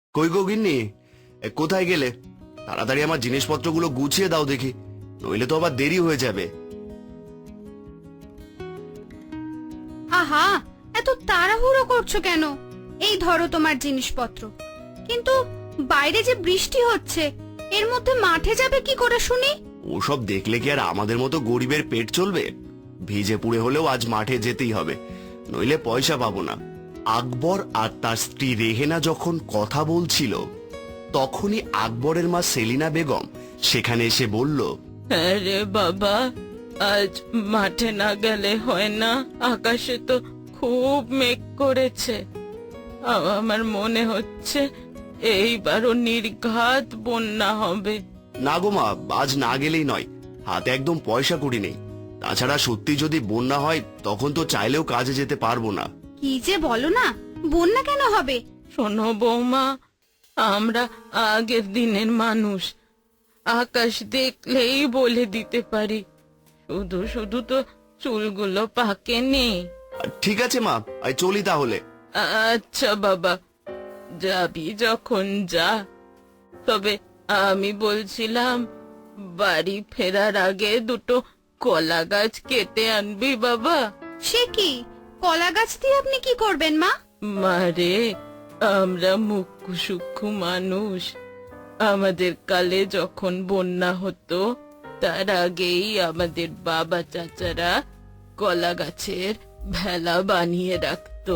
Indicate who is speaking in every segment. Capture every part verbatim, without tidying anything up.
Speaker 1: কই গো গিন্নি, এ, কোথায় গেলে? তাড়াতাড়ি আমার জিনিসপত্রগুলো গুছিয়ে দাও দেখি, নইলে তো আবার দেরি হয়ে যাবে।
Speaker 2: আহা, এত তাড়াহুড়ো করছো কেন? এই ধরো তোমার জিনিসপত্র। কিন্তু বাইরে যে বৃষ্টি হচ্ছে, এর মধ্যে মাঠে যাবে কি করে শুনি?
Speaker 1: ওসব দেখলে কি আর আমাদের মতো গরিবের পেট চলবে? ভিজে পুড়ে হলেও আজ মাঠে যেতেই হবে, নইলে পয়সা পাবো না। আকবর আর তার স্ত্রী রেহেনা যখন কথা বলছিল, তখনই আকবরের মা সেলিনা বেগম সেখানে এসে বলল,
Speaker 3: আরে বাবা, আজ মাঠে না গেলে হয় না? আকাশে তো খুব মেঘ করেছে। আ- আমার মনে হচ্ছে এইবারও নির্ঘাত বন্যা হবে।
Speaker 1: না গো মা, আজ না গেলেই নয়, হাতে একদম পয়সা কড়ি নেই। তাছাড়া সত্যি যদি বন্যা হয় তখন তো চাইলেও কাজে যেতে পারবো না।
Speaker 2: কি যে বলো না, বন্যা কেন হবে?
Speaker 3: শোনো বৌমা, আমরা আগের দিনের মানুষ, আকাশ দেখলেই বলে দিতে পারি। শুধু শুধু তো চুলগুলো পাকেনি।
Speaker 1: ঠিক আছে মা, আই চলি তাহলে।
Speaker 3: আচ্ছা বাবা, যাবি যখন যা। তবে আমি বলছিলাম, বাড়ি ফেরার আগে দুটো কলা গাছ কেটে আনবি বাবা।
Speaker 2: সে কি, কলা গাছ দিয়ে আপনি কি করবেন মা?
Speaker 3: মারে, আমরা মুখ্য সূক্ষ্ম মানুষ। আমাদের কালে যখন বন্যা হতো, তার আগেই আমাদের বাবা চাচারা কলা গাছের ভেলা বানিয়ে রাখতো।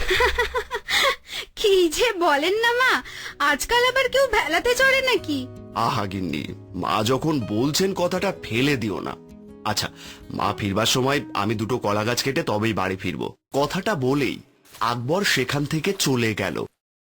Speaker 2: কি যে বলেন না মা, আজকাল আবার কেউ ভেলাতে চড়ে নাকি?
Speaker 1: আহা গিন্নি, মা যখন বলছেন কথাটা ফেলে দিও না। আচ্ছা, মা ফিরবার সময় আমি দুটো কলা গাছ কেটে তবেই বাড়ি ফিরবো। কথাটা বলেই আকবর সেখান থেকে চলে গেল।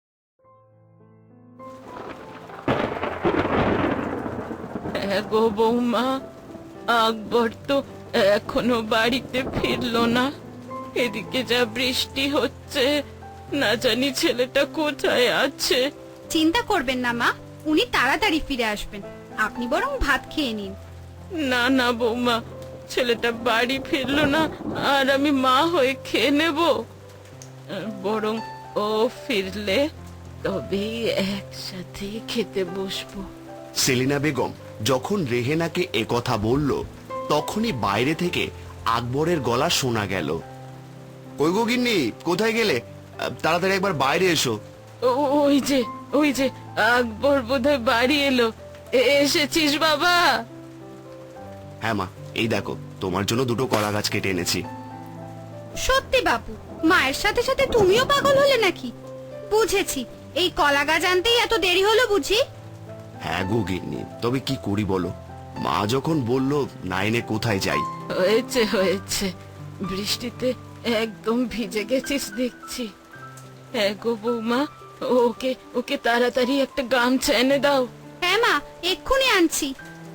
Speaker 3: হ্যাঁ গো বৌমা, আকবর তো এখনো বাড়িতে ফিরলো না। এদিকে যা বৃষ্টি হচ্ছে, না জানি ছেলেটা কোথায় আছে।
Speaker 2: চিন্তা করবেন না মা, উনি তাড়াতাড়ি ফিরে আসবেন। আপনি বরং ভাত খেয়ে নিন।
Speaker 3: না না বৌমা, ছেলেটা বাড়ি ফিরলো না আর আমি মা হয়ে খেয়ে নেব? বরং ও ফিরলে তবেই একসাথে খেতে বসবো।
Speaker 1: সেলিনা বেগম যখন রেহেনাকে একথা বলল, তখনই বাইরে থেকে আকবরের গলা শোনা গেল। কই গো গিন্নি, কোথায় গেলে? আহ, তাড়াতাড়ি একবার বাইরে এসো।
Speaker 3: ও- ওই যে ওই যে আকবর বোধহয় বাড়ি এলো। এ- এসেছিস বাবা?
Speaker 1: হ্যাঁ মা, এই দেখো তোমার জন্য দুটো কলা গাছ কেটে এনেছি।
Speaker 2: সত্যি বাপু, মায়ের সাথে সাথে তুমিও পাগল হলে নাকি? বুঝেছি, এই কলা গাছ আনতেই এত দেরি হলো বুঝি।
Speaker 1: হ্যাঁ গো গিন্নি, তবে কি করি বলো, মা যখন বলল না এনে কোথায় যাই।
Speaker 3: হয়েছে হয়েছে, বৃষ্টিতে একদম ভিজে গেছিস দেখছি। হ্যাঁ গো বৌমা, ওকে ওকে তাড়াতাড়ি একটা গামছা এনে দাও।
Speaker 2: হ্যাঁ মা, এক্ষুনি আনছি।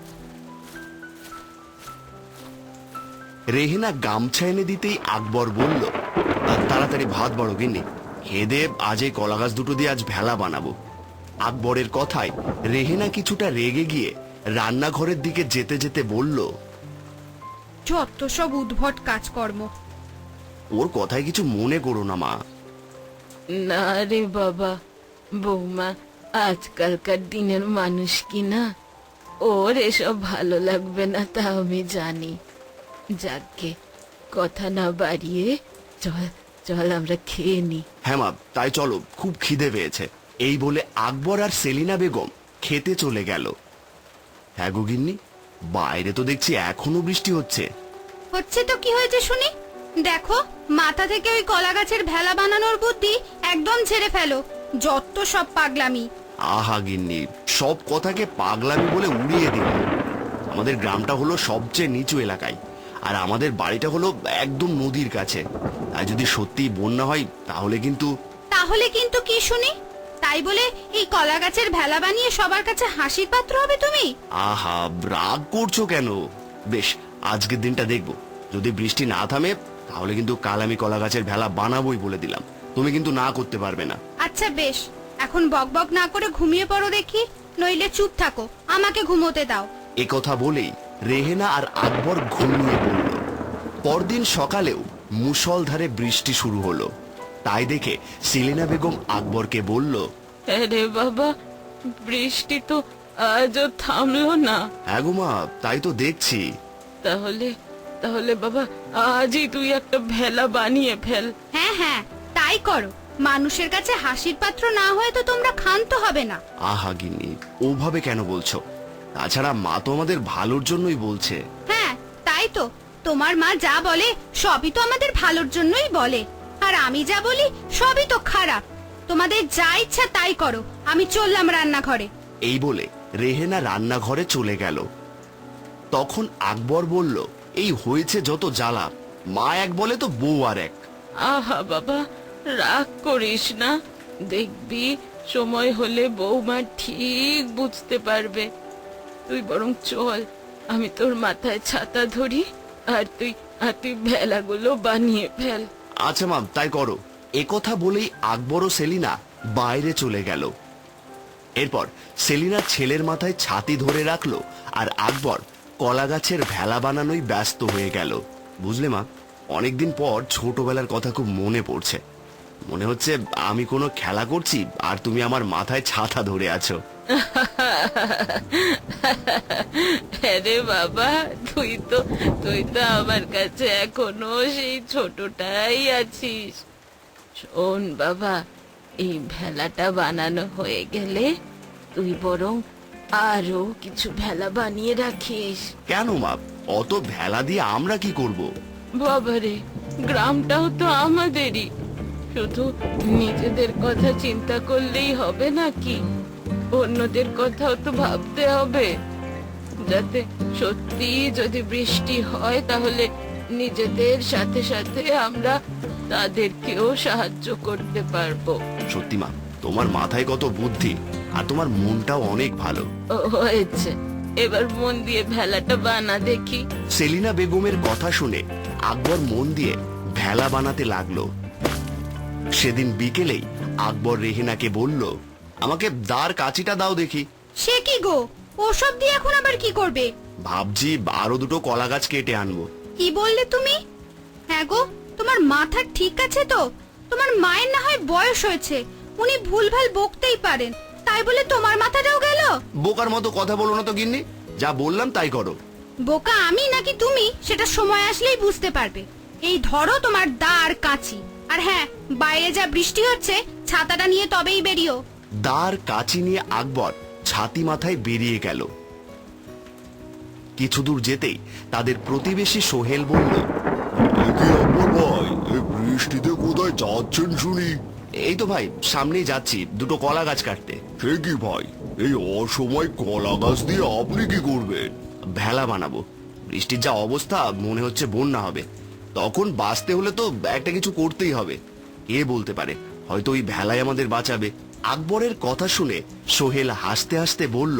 Speaker 1: রেহেনা গামছা এনে দিতেই আকবর বলল, "আহ, তাড়াতাড়ি ভাত বাড়ো গিন্নি, খেয়ে দে, আজ এই কলা গাছ দুটো দিয়ে আজ ভেলা বানাবো।" আকবরের কথায় রেহেনা কিছুটা রেগে গিয়ে রান্নাঘরের দিকে যেতে যেতে বলল,
Speaker 2: যত সব উদ্ভট কাজকর্ম।
Speaker 1: ওর কথায় কিছু মনে করো না মা।
Speaker 3: না রে বাবা, বৌমা আজকালকার দিনের মানুষ কি না, ওর এসব ভালো লাগবে না তা আমি জানি। যাকে কথা না বাড়িয়ে চল চল আমরা খেয়ে নি।
Speaker 1: হ্যাঁ মা, তাই চলো, খুব খিদে পেয়েছে। এই বলে আকবর আর সেলিনা বেগম খেতে চলে গেল। হ্যাঁ গো গিন্নি, বাইরে তো দেখছি এখনো বৃষ্টি হচ্ছে।
Speaker 2: হচ্ছে তো কি হয়েছে শুনি? দেখো, মাথা থেকে ওই কলা গাছের ভেলা বানানোর বুদ্ধি একদম ছেড়ে ফেলো। যত সব পাগলামি।
Speaker 1: আহা গিন্নি, সব কথাকে পাগলামি বলে উড়িয়ে দিল। আমাদের গ্রামটা হলো সবচেয়ে নিচু এলাকায়, আর আমাদের বাড়িটা হলো একদম নদীর কাছে। তাই যদি সত্যি বন্যা হয় তাহলে কিন্তু।
Speaker 2: তাহলে কিন্তু কি শুনি? তাই বলে এই কলা গাছের ভেলা বানিয়ে সবার কাছে হাসির পাত্র হবে তুমি?
Speaker 1: আহা, রাগ করছো কেন? বেশ, আজকের দিনটা দেখবো, যদি বৃষ্টি না থামে তাহলে কিন্তু কাল আমি কলা গাছের ভেলা বানাবোই বলে দিলাম। তুমি কিন্তু না করতে পারবে না।
Speaker 2: আচ্ছা বেশ, এখন বকবক না করে ঘুমিয়ে পড়ো দেখি, নইলে চুপ থাকো, আমাকে ঘুমোতে দাও।
Speaker 1: এ কথা বলেই রেহেনা আর আকবর ঘুমিয়ে পড়ল। পরদিন সকালেও মুষলধারে বৃষ্টি শুরু হলো। তাই দেখে সেলিনা বেগম আকবরকে বলল,
Speaker 3: আরে বাবা, বৃষ্টি তো আজও থামলো না।
Speaker 1: হ্যাঁ গো মা, তাই তো দেখছি।
Speaker 3: তাহলে তাহলে বাবা, আজই তুই একটা ভেলা বানিয়ে ফেল।
Speaker 2: হ্যাঁ হ্যাঁ, তাই করো। মানুষের কাছে হাসির পাত্র না হয়ে তো তোমরা ক্ষান্ত হবে না।
Speaker 1: আহা গিন্নি, ওভাবে কেন বলছো? তাছাড়া মা তো আমাদের ভালোর জন্যই বলছে।
Speaker 2: হ্যাঁ, তাই তো। তোমার মা যা বলে সবই তো আমাদের ভালোর জন্যই বলে, আর আমি যা বলি সবই তো খারাপ। তোমাদের যা ইচ্ছা তাই করো, আমি চললাম রান্নাঘরে।
Speaker 1: এই বলে রেহেনা রান্নাঘরে চলে গেল। তখন আকবর বলল, এই হয়েছে যত জ্বালা, মা এক বলে তো বউ আর এক।
Speaker 3: আহা বাবা, রাগ করিস না, দেখবি সময় হলে বৌমা ঠিক বুঝতে পারবে। তুই বরং চল, আমি তোর মাথায় ছাতা ধরি, আর তুই আর তুই ভেলাগুলো বানিয়ে ফেল।
Speaker 1: আচ্ছা মা, তাই করো। একথা বলেই আকবর ও সেলিনা বাইরে চলে গেল। এরপর সেলিনা ছেলের মাথায় ছাতি ধরে রাখলো, আর আকবর কলা গাছের ভেলা বানানোই ব্যস্ত হয়ে গেল। বুঝলে মা, অনেকদিন পর ছোটবেলার কথা খুব মনে পড়ছে। মনে হচ্ছে আমি কোনো খেলা করছি আর তুমি আমার মাথায় ছাতা ধরে আছো।
Speaker 3: আরে বাবা, তুই তো তুই তো আমার কাছে এখনো সেই ছোটটাই আছিস। শোন বাবা, এই ভেলাটা বানানো হয়ে গেলে তুই বরং আরো কিছু ভেলা বানিয়ে রাখিস।
Speaker 1: কেন মা, অত ভেলা দিয়ে আমরা কি করব?
Speaker 3: বাবারে, গ্রামটাও তো আমাদেরই, শুধু নিজেদের কথা চিন্তা করলেই হবে নাকি? অন্যদের কথাও তো ভাবতে হবে, যাতে সত্যি যদি বৃষ্টি হয় তাহলে নিজেদের সাথে সাথে আমরা তাদেরকেও সাহায্য করতে পারবো।
Speaker 1: সত্যি মা, তোমার মাথায় কত বুদ্ধি, আর তোমার মনটাও অনেক ভালো।
Speaker 3: ও, হয়েছে, এবার মন দিয়ে ভেলাটা বানা দেখি।
Speaker 1: সেলিনা বেগমের কথা শুনে আকবর মন দিয়ে ভেলা বানাতে লাগলো। সেদিন বিকেলেই আকবর রেহেনাকে বলল, আমাকে দাঁড় কাঁচিটা দাও দেখি।
Speaker 2: সে কি গো, ওসব দিয়ে এখন আবার কি করবে?
Speaker 1: ভাবছি আরো দুটো কলা গাছ কেটে আনবো।
Speaker 2: কি বললে তুমি? হ্যাঁ গো, তোমার মাথা ঠিক আছে তো? তোমার মায়ের না হয় বয়স হয়েছে, উনি ভুলভাল বকতেই পারেন, তাই বলে তোমার মাথাটাও গেল?
Speaker 1: বোকার মতো কথা বলো না তো গিন্নি, যা বললাম তাই করো।
Speaker 2: বোকা আমি নাকি তুমি, সেটা সময় আসলেই বুঝতে পারবে। এই ধরো তোমার দা আর কাঁচি, আর হ্যাঁ, বাইরে যা বৃষ্টি হচ্ছে ছাতাটা নিয়ে তবেই বেরিও।
Speaker 1: দাঁড় কাঁচি নিয়ে আকবর ছাতি মাথায় বেরিয়ে গেল। কিছু দূর যেতেই তাদের প্রতিবেশী সোহেল বলল, ভাই, এই বৃষ্টিতে কোথায় যাচ্ছেন শুনি? এই তো ভাই, সামনেই যাচ্ছি দুটো কলা গাছ কাটতে। সে কি ভাই, এই অসময় কলা গাছ দিয়ে আপনি কি করবেন? ভেলা বানাবো। বৃষ্টির যা অবস্থা, মনে হচ্ছে বন্যা হবে। তখন বাঁচতে হলে তো একটা কিছু করতেই হবে। কে বলতে পারে, হয়তো ওই ভেলাই আমাদের বাঁচাবে। আকবরের কথা শুনে সোহেল হাসতে হাসতে বলল,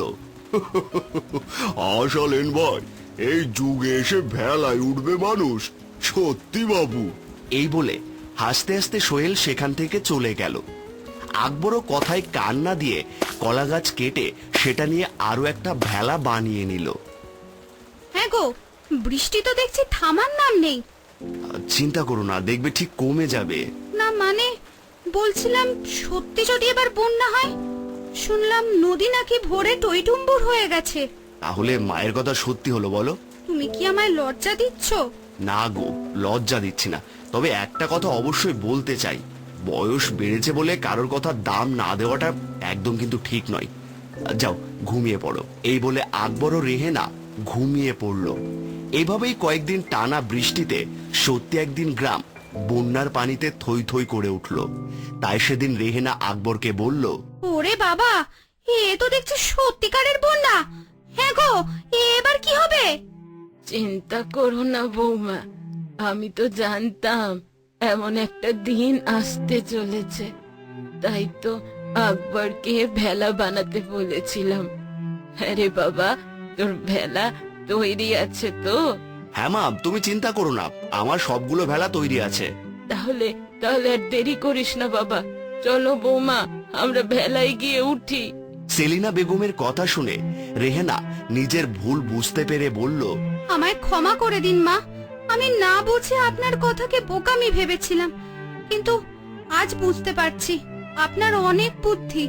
Speaker 1: আসলেন ভাই, এই যুগে এসে ভেলায় উঠবে মানুষ, সত্যি বাবু। এই বলে হাসতে হাসতে সোহেল সেখান থেকে চলে গেল। আকবরও কথায় কান না দিয়ে কলা গাছ কেটে সেটা নিয়ে আরো একটা ভেলা বানিয়ে নিল।
Speaker 2: হ্যাঁ গো, বৃষ্টি তো দেখছি থামার নাম নেই।
Speaker 1: চিন্তা করো না, দেখবে ঠিক কমে যাবে।
Speaker 2: না মানে, বলছিলাম সত্যি যদি এবার বন্যা হয়, শুনলাম নদী নাকি ভোরে টইটুম্বুর হয়ে গেছে।
Speaker 1: তাহলে মায়ের কথা সত্যি হলো বলো?
Speaker 2: তুমি কি আমায় লজ্জা দিচ্ছ?
Speaker 1: না গো, লজ্জা দিচ্ছি না, তবে একটা কথা অবশ্যই বলতে চাই। বয়স বেড়েছে বলে কারোর কথা দাম না দেওয়াটা একদম কিন্তু ঠিক নয়। যাও ঘুমিয়ে পড়ো। এই বলে আকবর ও রেহেনা ঘুমিয়ে পড়ল। এভাবেই কয়েকদিন টানা বৃষ্টিতে সত্যি একদিন গ্রাম বন্যার পানিতে থই থই করে উঠল। তাই সেদিন রেহেনা আকবরকে বলল,
Speaker 2: ওরে বাবা, এ তো দেখছি সত্যিকারের বন্যা। হ্যাঁ গো, এবার কি হবে?
Speaker 3: চিন্তা করো না বৌমা, আমি তো জানতাম এমন একটা দিন আসতে চলেছে, তাই তো আকবরকে ভেলা বানাতে বলেছিলাম। আরে বাবা, তোর ভেলা তৈরি আছে তো?
Speaker 1: হ্যাঁ মা, তুমি চিন্তা করো না, আমার সবগুলো ভেলা তৈরি আছে।
Speaker 3: তাহলে তাহলে আর দেরি করিস না বাবা, চলো বৌমা, আমরা ভেলায় গিয়ে উঠি।
Speaker 1: সেলিনা বেগমের কথা শুনে রেহেনা নিজের ভুল বুঝতে পেরে বলল,
Speaker 2: আমায় ক্ষমা করে দিন মা, আমি না বুঝে আপনার কথাকে বোকামি ভেবেছিলাম, কিন্তু আজ বুঝতে পারছি আপনার অনেক বুদ্ধি।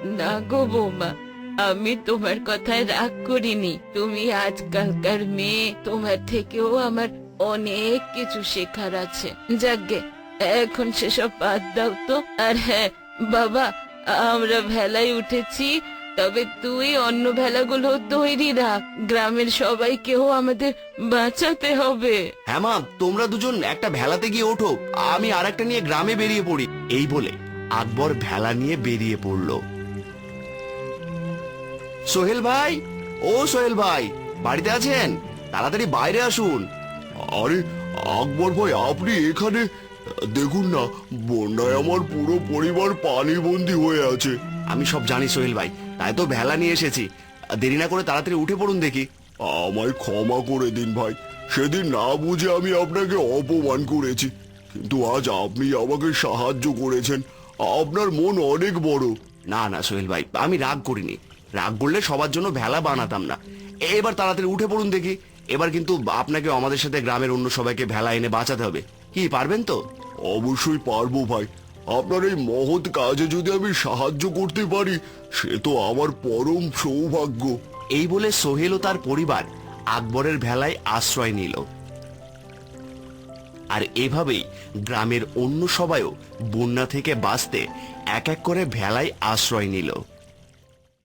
Speaker 3: না গো বৌমা, আমি তোমার কথায় রাগ করিনি। তুমি আজকালকার মেয়ে, তোমার থেকেও আমার অনেক কিছু শেখার আছে। যাকগে, এখন সেসব বাদ দাও তো। আর হ্যাঁ বাবা, আমরা ভেলায় উঠেছি, তবে তুই অন্য ভেলাগুলো তৈরি রাখ। গ্রামের সবাইকেও আমাদের বাঁচাতে হবে।
Speaker 1: হ্যাঁ মা, তোমরা দুজন একটা ভেলাতে গিয়ে ওঠো, আমি আর একটা নিয়ে গ্রামে বেরিয়ে পড়ি। এই বলে আকবর ভেলা নিয়ে বেরিয়ে পড়লো। সোহেল ভাই, ও সোহেল ভাই, বাড়িতে আছেন? তাড়াতাড়ি বাইরে আসুন।
Speaker 4: আরে আকবর ভাই, আপনি এখানে? দেখুন না, বন্যায় আমার পুরো পরিবার পানিবন্দী হয়ে আছে।
Speaker 1: আমি সব জানি সোহেল ভাই, তাই তো ভেলা নিয়ে এসেছি। দেরি না করে তাড়াতাড়ি উঠে পড়ুন দেখি।
Speaker 4: আমায় ক্ষমা করে দিন ভাই, সেদিন না বুঝে আমি আপনাকে অপমান করেছি, কিন্তু আজ আপনি আমাকে সাহায্য করেছেন। আপনার মন অনেক বড়।
Speaker 1: না না সোহেল ভাই, আমি রাগ করিনি। রাগ করলে সবার জন্য ভেলা বানাতাম না। এবার তাড়াতাড়ি উঠে পড়ুন দেখি। এবার কিন্তু আপনাকে আমাদের সাথে গ্রামের অন্য সবাইকে ভেলা এনে বাঁচাতে হবে। কি পারবেন তো?
Speaker 4: অবশ্যই পারবো ভাই, আপনার এই মহৎ কাজে যদি আমি সাহায্য করতে পারি, সে তো আমার পরম সৌভাগ্য।
Speaker 1: এই বলে সোহেল ও তার পরিবার আকবরের ভেলায় আশ্রয় নিল। আর এভাবেই গ্রামের অন্য সবাইও বন্যা থেকে বাঁচতে এক এক করে ভেলায় আশ্রয় নিল।